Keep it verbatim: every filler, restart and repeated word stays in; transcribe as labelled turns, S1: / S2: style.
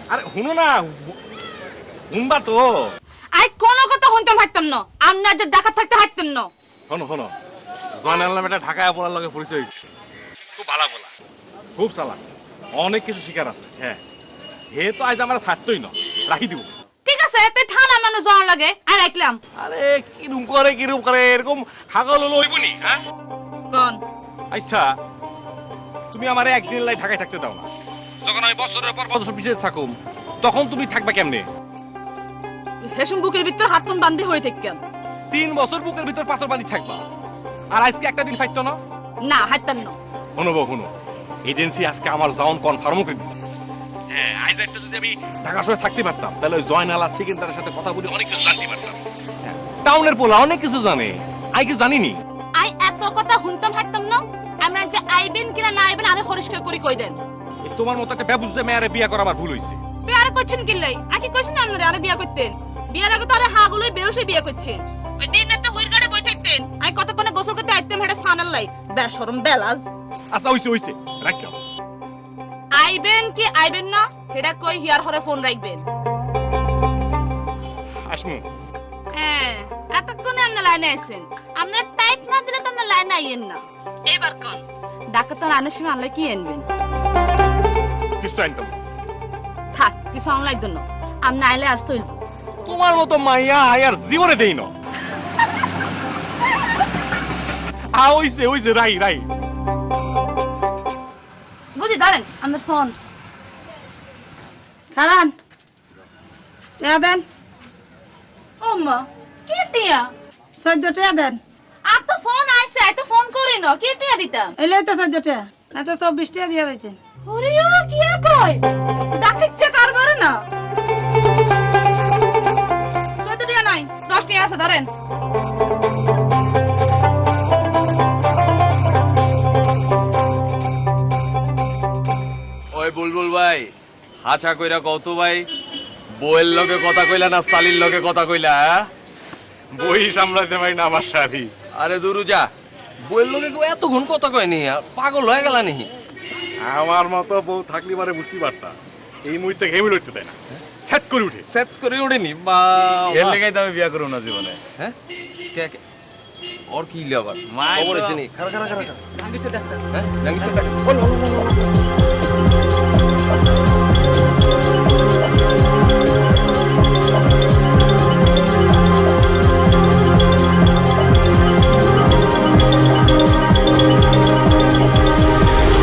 S1: আরে শুনো না, শুনবা তো।
S2: আই কোনো কথা শুনতাম হাঁটতাম না, আমরা যে ডাকাত থাকতে হাঁটতেন না।
S1: শোনো শোনো, জয়নাল নামে একটা ঢাকায় পড়ার লগে পরিচয় হয়েছে, খুব ভালো বলা, খুব চালাক, অনেক কিছু শিকার আছে। হ্যাঁ, হে তো আজ আমার ছাড়তই না, রাখি দিব।
S2: ঠিক আছে, তুই থানার মানুষ যাওয়ার লাগে আর রাখলাম।
S1: আরে কিরম করে কিরম করে এরকম হাগল হলো হইবনি? হ্যাঁ
S2: কোন
S1: আচ্ছা, তুমি আমারে একদিন লাই ঢাকায় থাকতে দাও না, যখন আমি বছরের পর বছর পিছিয়ে থাকুম তখন তুমি থাকবা কেমনে?
S2: হেসুম বুকের ভিতর হাতন বান্ধে হয়ে থাকেন।
S1: তিন বছর বুকের ভিতর পাথর বাঁধি থাকবা, আর আজকে একটা দিন ফাইতো না?
S2: না হাঁটতেন না।
S1: শুনো বউ শুনো, এজেন্সি আজকে আমার জাউন কনফার্মও করে দিচ্ছে। হ্যাঁ, আজ একটা যদি আমি ঢাকা শহরে থাকতে পারতাম তাহলে ওই জয়নাল আর সেকেন্ডারের সাথে কথা বলে অনেক কিছু জানতে পারতাম। হ্যাঁ, টাউনের পোলা অনেক কিছু জানে, আই কিছু জানিনি।
S2: আই এত কথা শুনতাম হাঁটতাম না, আমরা যে আইবেন কিনা না আইবেন আরে পরিষ্কার করে কই দেন।
S1: এই তোমার মতো একটা বেবুঝে মেয়ারে বিয়ে করা আমার ভুল হয়েছে।
S2: তুই আরে করছেন কি লাই? আকি কইছেন আপনারে আরে বিয়া করতেন? বিয়ার আগে তো আরে হাগুলোই বেউসে বিয়া করছে। ওই দিন রাতে হুইর গাড়ে বই থাকতেন, আই কতক্ষণে গোসল করতে আইতেম হেডা সানাল লাই বেশরম বেলাজ।
S1: আচ্ছা হইছে হইছে, রাখলাম।
S2: আইবেন কি আইবেন না হেডা কই হিয়ার হরে ফোন রাখবেন।
S1: আসমু।
S2: হ্যাঁ, এতক্ষণে আপনি লাইনে আছেন, আপনার টাইট না দিলে তো আপনি লাইনে আইয়েন না। এবার কোন ডাক্তার তো রানের সময় আনলে কি আনবেন?
S1: কিছু আনতাম না।
S2: থাক, কিছু আনলাই জন্য আপনি আইলে আর চলবো।
S1: তোমার মতো মাইয়া আয়ার জীবনে দেই না। আ হইছে হইছে, রাই রাই।
S2: বুঝি ধরেন আপনার ফোন খারান টিয়া দেন। ও মা, কে টিয়া?
S3: চোদ্দ টিয়া দেন।
S2: আর তো ফোন আইছে, আই তো ফোন করি না, কে টিয়া দিতাম?
S3: এলে তো চোদ্দ টিয়া, না তো চব্বিশ টিয়া দিয়া দিতেন।
S2: ওরে ও কি কয় ডাকিচ্ছে কারবারে না। চোদ্দ টিয়া নাই, দশ টিয়া আছে ধরেন।
S4: ওই বুলবুল ভাই, হাছা কইরা কত ভাই, বইয়ের লগে কথা কইলা না সালির লগে কথা কইলা?
S1: বই সামলাতে পারি না আমার শাড়ি।
S4: আরে দুরু যা, বইয়ের লগে কেউ এতক্ষণ কথা কয়নি, পাগল হয়ে গেলা নি?
S1: আমার মতো বউ থাকলে পারে বুঝতে পারতাম, এই মুহূর্তে ঘেমে লড়তে দেয় না, সেট করে উঠে।
S4: সেট করে উঠেনি বা
S5: এর লেগাই তো আমি বিয়া করব না জীবনে।
S4: হ্যাঁ কে কে ওর কি আবার
S5: মাই
S4: খবর
S5: তো-
S4: আছে নি? খারা খারা খারা
S3: ভাঙিছে ডাক্তার।
S4: হ্যাঁ জাঙ্গিসের টাকা বল বল বল